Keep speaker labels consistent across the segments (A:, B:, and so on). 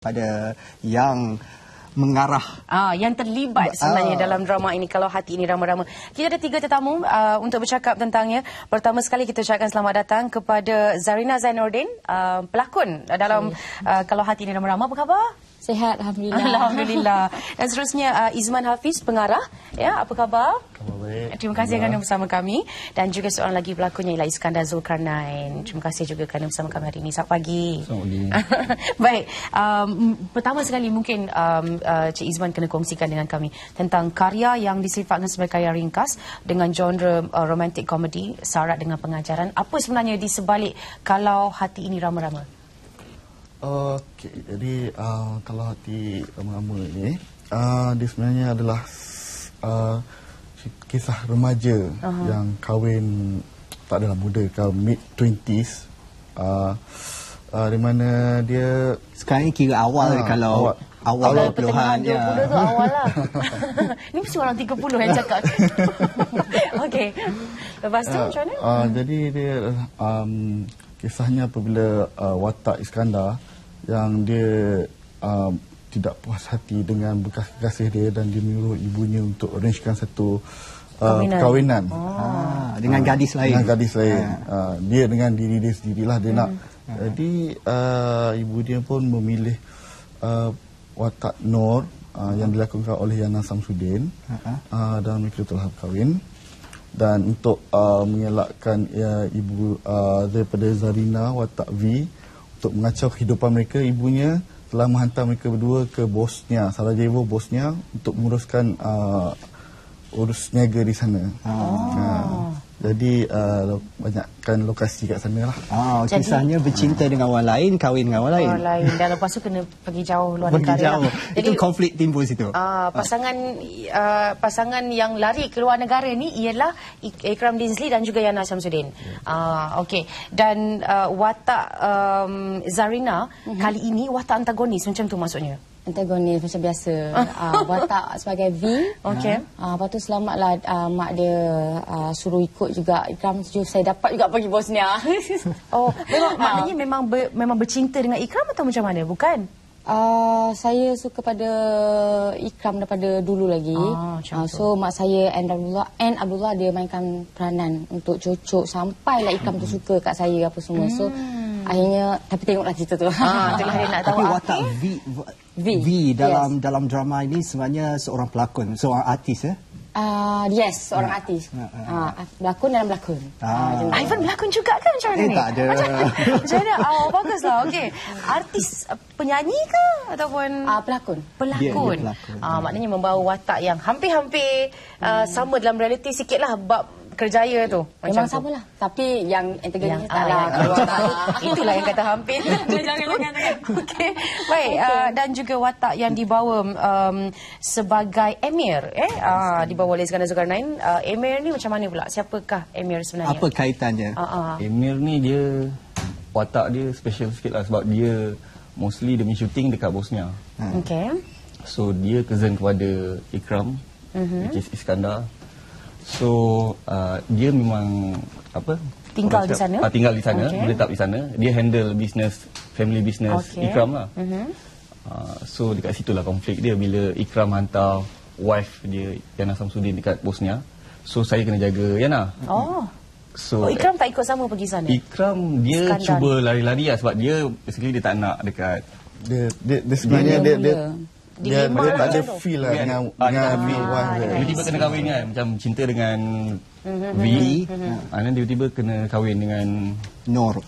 A: pada yang mengarah
B: yang terlibat sebenarnya dalam drama ini, Kalau Hati Ini Rama-Rama. Kita ada 3 tetamu untuk bercakap tentangnya. Pertama sekali kita ucapkan selamat datang kepada Zarina Zainuddin, pelakon dalam Kalau Hati Ini Rama-Rama. Apa khabar?
C: Sihat, Alhamdulillah.
B: Alhamdulillah. Dan seterusnya Izman Hafiz, pengarah. Ya, apa khabar?
D: Khabar baik.
B: Terima kasih kerana bersama kami. Dan juga seorang lagi pelakonnya ialah Iskandar Zulkarnain. Terima kasih juga kerana bersama kami hari ini. Selamat pagi.
D: Selamat pagi.
B: Baik, pertama sekali mungkin Cik Izman kena kongsikan dengan kami tentang karya yang disifatkan sebagai karya ringkas dengan genre romantic comedy syarat dengan pengajaran. Apa sebenarnya di sebalik Kalau Hati Ini Rama-Rama?
D: Okey, jadi Kalau Hati Rama-Rama ini dia sebenarnya adalah kisah remaja yang kahwin tak adalah muda, mid 20s, di mana dia
A: sekarang kira awal kalau awal 20-an
B: ya. 20 tu awal lah. Ni mesti orang 30 yang cakap. Okey. Lepas tu macam mana?
D: Jadi dia kisahnya apabila watak Iskandar yang dia tidak puas hati dengan bekas kekasih dia dan dia menyuruh ibunya untuk arrangekan satu perkahwinan
A: dengan gadis lain.
D: Dengan gadis lain. Dia dengan diri dia sendirilah dia nak. Jadi ibu dia pun memilih watak Nur yang dilakonkan oleh Yana Samsudin dan mereka telah berkahwin. Dan untuk mengelakkan ibu daripada Zarina, watak V, untuk mengacau kehidupan mereka, ibunya telah menghantar mereka berdua ke Bosnia, Sarajevo, Bosnia, untuk menguruskan urus niaga di sana. Jadi banyakkan lokasi kat sana lah.
A: Kisahnya bercinta dengan orang lain, kahwin dengan orang lain.
B: Dan lepas tu kena pergi jauh luar
A: Pergi
B: negara.
A: jauh.
B: Jadi,
A: itu konflik timbul situ.
B: Pasangan yang lari ke luar negara ni ialah Ikram Dinsley dan juga Yana Samsudin. Okey. Dan watak Zarina kali ini watak antagonis macam tu maksudnya.
C: Antagonis macam biasa. Watak sebagai V.
B: Okey.
C: Lepas tu selamatlah mak dia suruh ikut juga Ikram. Saya dapat juga pergi Bosnia.
B: Maknanya memang bercinta dengan Ikram atau macam mana? Bukan?
C: Saya suka pada Ikram daripada dulu lagi. So mak saya and Abdullah dia mainkan peranan untuk cocok sampailah Ikram tu suka kat saya apa semua. So akhirnya tapi tengoklah cerita tu.
B: Itulah dia nak tahu.
A: Tapi watak V dalam drama ini sebenarnya seorang pelakon, seorang artis ya.
C: Yes, seorang artis. Berlakon dalam berlakon.
B: Ivan berlakon juga kan macam mana ni?
A: Tak ada.
B: Macam mana? Baguslah. Okey. Artis penyanyi ke ataupun
C: pelakon?
B: Pelakon.
A: Dia pelakon.
B: Maknanya membawa watak yang hampir-hampir sama dalam realiti sikitlah bab kerjaya tu.
C: Memang samalah. Tapi yang antagonis taklah.
B: Itulah yang kata hampir. Jangan. Okey. Baik, dan juga watak yang dibawa sebagai Emir dibawa oleh Iskandar Zulkarnain. Emir ni macam mana pula? Siapakah Emir sebenarnya?
A: Apa kaitannya?
E: Emir ni dia watak dia special sikit lah sebab dia mostly demi shooting dekat Bosnia.
B: Okey.
E: So dia cousin kepada Ikram, which is Iskandar. So dia memang
B: tinggal di sana.
E: Tinggal di sana, menetap di sana. Dia handle family business Ikram lah. So dekat situlah konflik dia bila Ikram hantar wife dia Yana Samsudin dekat Bosnia. So saya kena jaga Yana. So
B: Ikram tak ikut sama pergi sana?
E: Ikram dia Iskandar cuba lari-lari lah sebab dia basically dia tak nak dekat
D: dia sebenarnya dia tak ada feel lah dengan wife dia.
E: Tiba-tiba kena kahwin kan, macam cinta dengan V, dan tiba-tiba kena kahwin dengan Nur.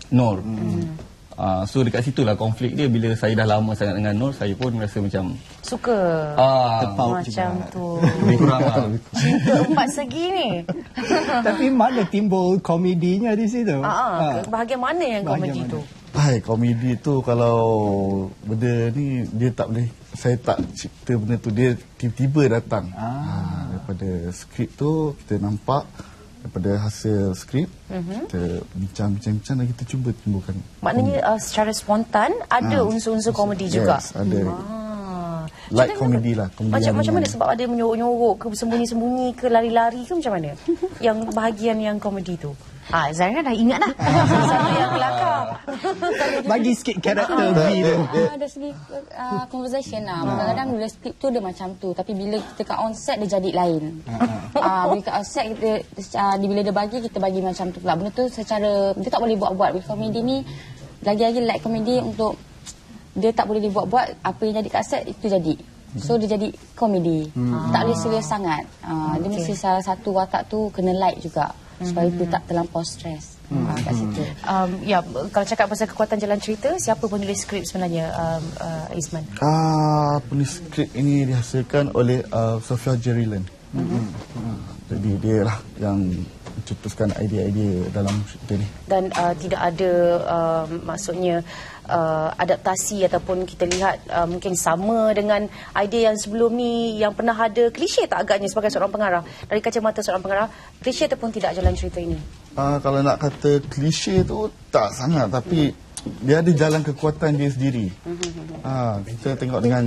E: So dekat situlah konflik dia. Bila saya dah lama sangat dengan Nur, saya pun rasa macam
B: suka
A: terpaut
B: macam
A: juga.
E: Tu lebih kurang lah.
B: Cinta 4 segi ni.
A: Tapi mana timbul komedinya di situ?
B: Bahagian mana yang komedi tu?
D: Komedi tu kalau benda ni dia tak boleh, saya tak cipta benda tu, dia tiba-tiba datang. Daripada skrip tu kita nampak, daripada hasil skrip kita bincang-bincang dan kita cuba timbulkan.
B: Maknanya secara spontan ada unsur-unsur komedi juga.
D: Yes, ada. Light komedi lah.
B: Macam mana? Sebab ada menyorok-nyorok ke, sembunyi-sembunyi ke, lari-lari ke, macam mana? Yang bahagian yang komedi tu. Zaira dah ingat dah. Satu yang kelakar.
A: Bagi sikit karakter V tu.
C: Ada segi conversation lah. Kadang-kadang bila skrip tu dia macam tu, tapi bila kita kat on set dia jadi lain. Bila kat on set kita bila dia bagi, kita bagi macam tu pula. Benda tu secara dia tak boleh buat-buat. Bila komedi ni lagi-lagi light komedi untuk dia tak boleh dibuat-buat, apa yang jadi kat set itu jadi. So dia jadi komedi. Tak boleh serius sangat. Dia mesti salah satu watak tu kena light juga. Supaya dia tak terlampau stres kat situ.
B: Ya, kalau cakap pasal kekuatan jalan cerita, siapa penulis skrip sebenarnya, Izman?
D: Penulis skrip ini dihasilkan oleh Sofia Jerilan. Jadi dia lah yang mencetuskan idea-idea dalam cerita ni. Dan
B: tidak ada maksudnya adaptasi ataupun kita lihat mungkin sama dengan idea yang sebelum ni yang pernah ada. Klise tak agaknya sebagai seorang pengarah, dari kacamata seorang pengarah, klise ataupun tidak jalan cerita ini?
D: Kalau nak kata klise tu tak sangat, tapi dia ada jalan kekuatan dia sendiri. Kita tengok dengan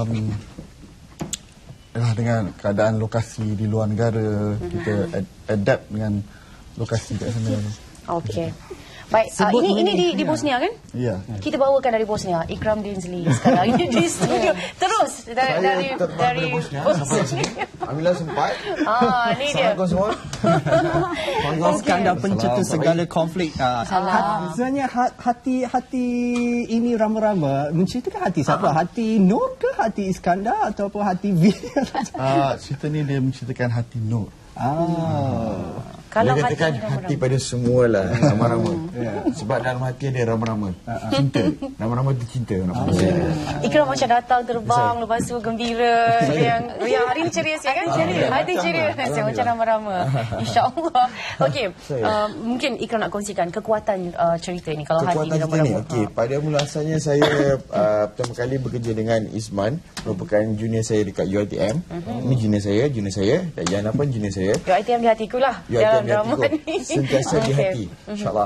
D: dengan keadaan lokasi di luar negara, kita adapt dengan lokasi kat sana.
B: Okey. Baik, ini di Bosnia kan?
D: Ya.
B: Kita bawakan dari Bosnia, Ikram Dinsley sekarang ini di studio. Terus dari Bosnia.
F: Alhamdulillah sempat.
B: Ni dia.
F: Assalamualaikum semua.
A: Iskandar pencetus segala konflik. Sebenarnya hati ini rama-rama menceritakan hati siapa? Hati Nur ke hati Iskandar ataupun hati V?
D: Cerita ni dia menceritakan hati Nur.
F: Kalau dia katakan hati pada semualah rama-rama. Sebab dalam hati ada rama-rama. Cinta. Rama-rama tu cinta.
B: Ikram macam datang terbang, lepas tu gembira. Yang hari ni ceria kan? Hati ceria. Macam rama-rama. InsyaAllah. Okey. Mungkin Ikram nak kongsikan kekuatan cerita ni. Kalau hati ni rama-rama.
F: Okey. Pada mula asalnya saya pertama kali bekerja dengan Izman, merupakan junior saya dekat UiTM. Ini junior saya. Dan Yana pun junior saya.
B: UiTM di hatiku lah.
F: Dalam drama ni. Sentiasa di hati. InsyaAllah.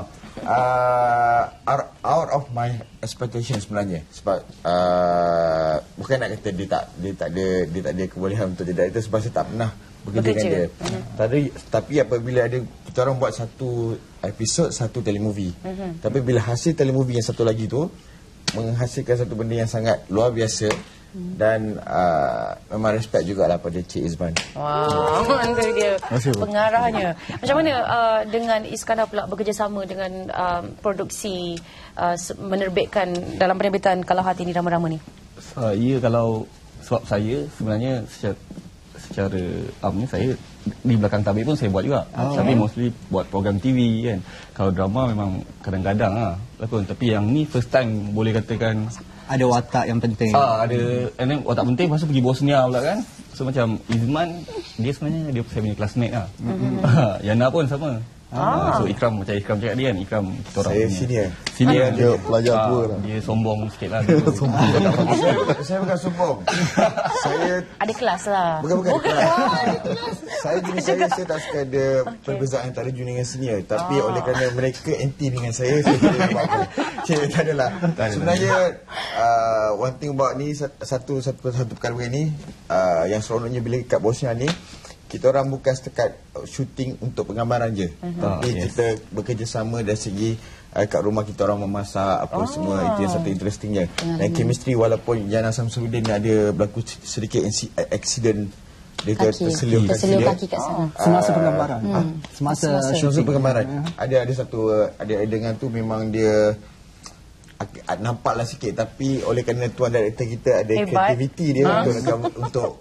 F: Out of my expectation sebenarnya. Sebab bukan nak kata dia tak ada kebolehan untuk tidak itu, sebab saya tak pernah bekerja dengan dia. Tapi apabila ada kita orang buat satu episod, satu telemovie. Tapi bila hasil telemovie yang satu lagi tu menghasilkan satu benda yang sangat luar biasa. Dan memang respect jugalah pada Cik Izman.
B: Wow, itu dia pengarahnya. Macam mana dengan Iskandar pula bekerjasama dengan produksi menerbitkan dalam penerbitan Kalau Hati Ini Rama-Rama ni?
E: Sebab saya sebenarnya secara saya di belakang tabir pun saya buat juga. Tapi mostly buat program TV kan. Kalau drama memang kadang-kadang lah lakon. Tapi yang ni first time boleh katakan
A: ada watak yang penting.
E: And then watak penting, lepas tu pergi Bosnia pula kan. So macam Izman, dia sebenarnya saya punya classmate lah. Yana pun sama. So Ikram, macam Ikram cakap dia kan, Ikram kita orang
F: saya
E: punya
F: senior
D: dia pelajar tua lah.
E: Dia sombong sikit lah.
F: Saya bukan sombong. Saya
B: ada kelas lah.
F: Bukan kelas. Saya tak suka ada perbezaan antara junior dengan senior. Tapi oleh kerana mereka anti dengan saya tidak apa-apa. Tak adalah. Sebenarnya one thing about ni, satu perkara ni yang seronoknya bila kat Bosnia ni, kita orang bukan setakat shooting untuk penggambaran je. Tapi kita bekerjasama dari segi kat rumah kita orang memasak apa semua. Itu yang satu interestingnya. Dan chemistry, walaupun Yana Samsudin ada berlaku sedikit accident, dia terselip
C: kaki kat sana.
A: Semasa penggambaran. Semasa
F: penggambaran. Ada satu adegan tu memang dia nampaklah sikit, tapi oleh kerana tuan director kita ada kreativiti dia untuk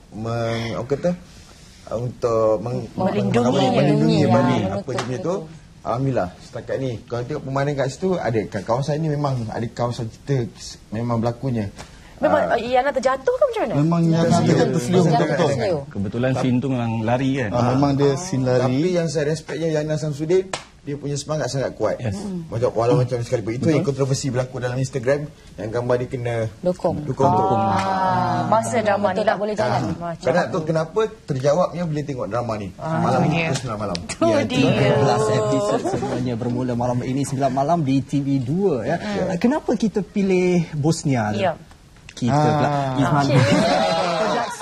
F: melindungi apa jenis tu. Alhamdulillah setakat ni kalau tengok pemandangan kat situ, ada kawasan ni memang ada kawasan kita memang berlakunya.
B: Memang Yana terjatuh ke macam mana?
D: Memang Yana terselio.
E: Kebetulan scene tu memang lari kan.
D: Memang dia scene lari.
F: Tapi yang saya respectnya Yana Samsudin, dia punya semangat sangat kuat. Walau macam sekalipun. Itu yang kontroversi berlaku dalam Instagram, yang gambar dia kena
C: dukung.
B: Masa drama ni tak boleh jalan.
F: Kerana tu kenapa terjawabnya bila tengok drama ni. Malam ni pukul 9 malam.
A: Last episode sebenarnya bermula malam ini 9 malam di TV2 ya. Kenapa kita pilih Bosnia? Kita Izman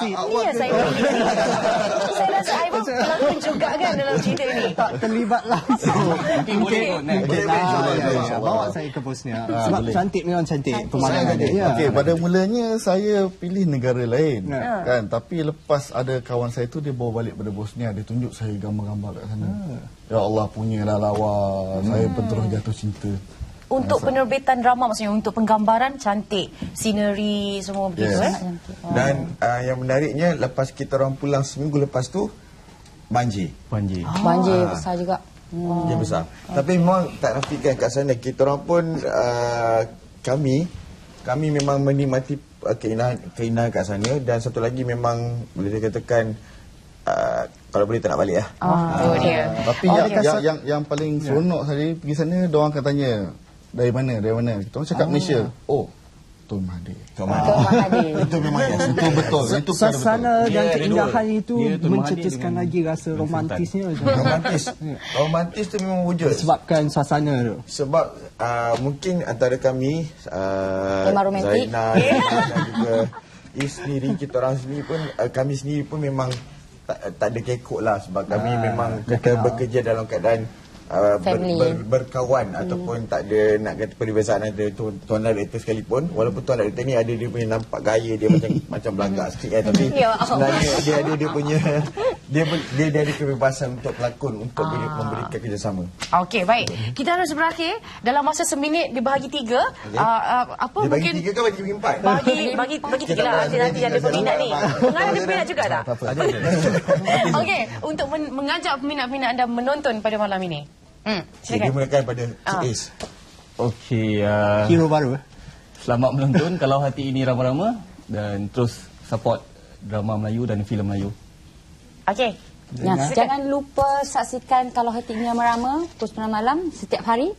A: seat.
B: Ini yang saya pilih. Saya rasa Ivan pelakon juga kan dalam cerita ni.
A: Tak terlibat langsung.
E: Boleh kot, Nek.
A: Bawa saya ke Bosnia. Sebab cantik, memang cantik pemandangan dia.
D: Okey, pada mulanya saya pilih negara lain. Kan, tapi lepas ada kawan saya tu dia bawa balik pada Bosnia, dia tunjuk saya gambar-gambar kat sana. Ya Allah, punyalah lawa. Saya pun terus jatuh cinta.
B: Untuk penerbitan drama, maksudnya untuk penggambaran cantik, scenery semua begitu.
F: Dan yang menariknya, lepas kita orang pulang seminggu lepas tu, banjir.
E: Banjir.
C: Banjir besar juga.
F: Dia besar. Tapi memang tak nafikan kat sana. Kita orang pun kami memang menikmati keindahan kat sana. Dan satu lagi memang boleh dikatakan kalau boleh tak nak balik lah.
D: Tapi yang paling seronok saya pergi sana, diorang akan tanya dari mana. Kita orang cakap Malaysia. Oh, Tun Mahathir.
F: Itu memang
D: Itu betul. Itu
A: Suasana dan keindahan itu
E: Dia Tun Mahathir
A: mencetuskan
E: dengan
A: lagi rasa romantisnya.
F: Romantis tu memang wujud.
A: Sebabkan suasana tu.
F: Sebab mungkin antara kami
C: romantik.
F: Zainal dan juga sendiri, kita orang sendiri pun kami sendiri pun memang tak ada kekok lah. Sebab kami memang kita bekerja dalam keadaan berkawan ataupun tak ada nak kata perbezaan ada tuan director sekalipun, walaupun tuan director ni ada dia punya nampak gaya dia macam belagak sikit tapi sebenarnya dia punya dia ada kebebasan untuk pelakon untuk memberikan kerjasama.
B: Okey, baik. Kita harus berakhir dalam masa seminit dibahagi 3. Apa
F: dia
B: mungkin
F: bagi 3 ke bagi 4?
B: Bagi 3 lah. Nanti ada peminat ni. Pengarah ada peminat juga tak? Okey, untuk mengajak peminat-peminat anda menonton pada malam ini.
F: Dia mulakan pada Cik Is.
E: Okey,
A: Hero baru.
E: selamat menonton Kalau Hati Ini Rama-Rama dan terus support drama Melayu dan filem Melayu.
B: Okey.
C: Jangan lupa saksikan Kalau Hati Ini Rama-Rama pukul 9 malam setiap hari.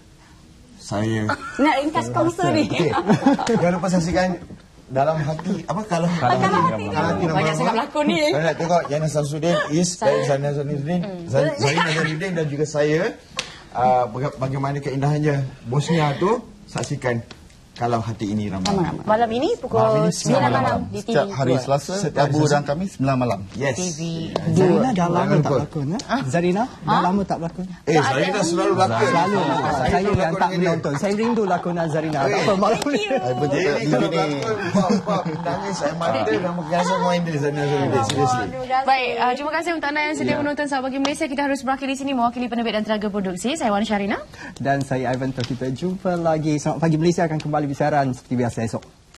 F: Saya
C: Nak ringkas kongsi ni.
F: jangan lupa saksikan Dalam Hati kalau Hati
C: Banyak sangat pelakon ni.
F: Saya nak tengok Yana Samsudin, Is dan Zarina Zainuddin, Zarina Zainuddin dan juga saya bagaimana keindahannya Bosnia tu. Saksikan Kalau Hati Ini Rama-Rama.
B: Malam ini pukul 9 malam di TV.
D: Setiap hari Selasa, Rabu dan Khamis 9 malam.
F: Yes.
B: TV.
A: Zarina dah lama tak berlakon. Zarina dah lama tak berlakon.
F: Zarina selalu berlakon.
A: Selalu. Saya yang tak menonton. Saya rindu lakonan Zarina. Tak apa malam ni.
F: Jadi kalau berlakon, bab nangis saya mata dan berasa main dia Zarina Zainuddin. Seriously.
B: Baik, terima kasih untuk anda yang sedia menonton Sahabat Bagi Malaysia. Kita harus berakhir di sini mewakili penerbit dan tenaga produksi. Saya Wan Syarina.
A: Dan saya Ivan. Kita jumpa lagi. Selamat Pagi Malaysia akan kembali bersiaran seperti biasa esok.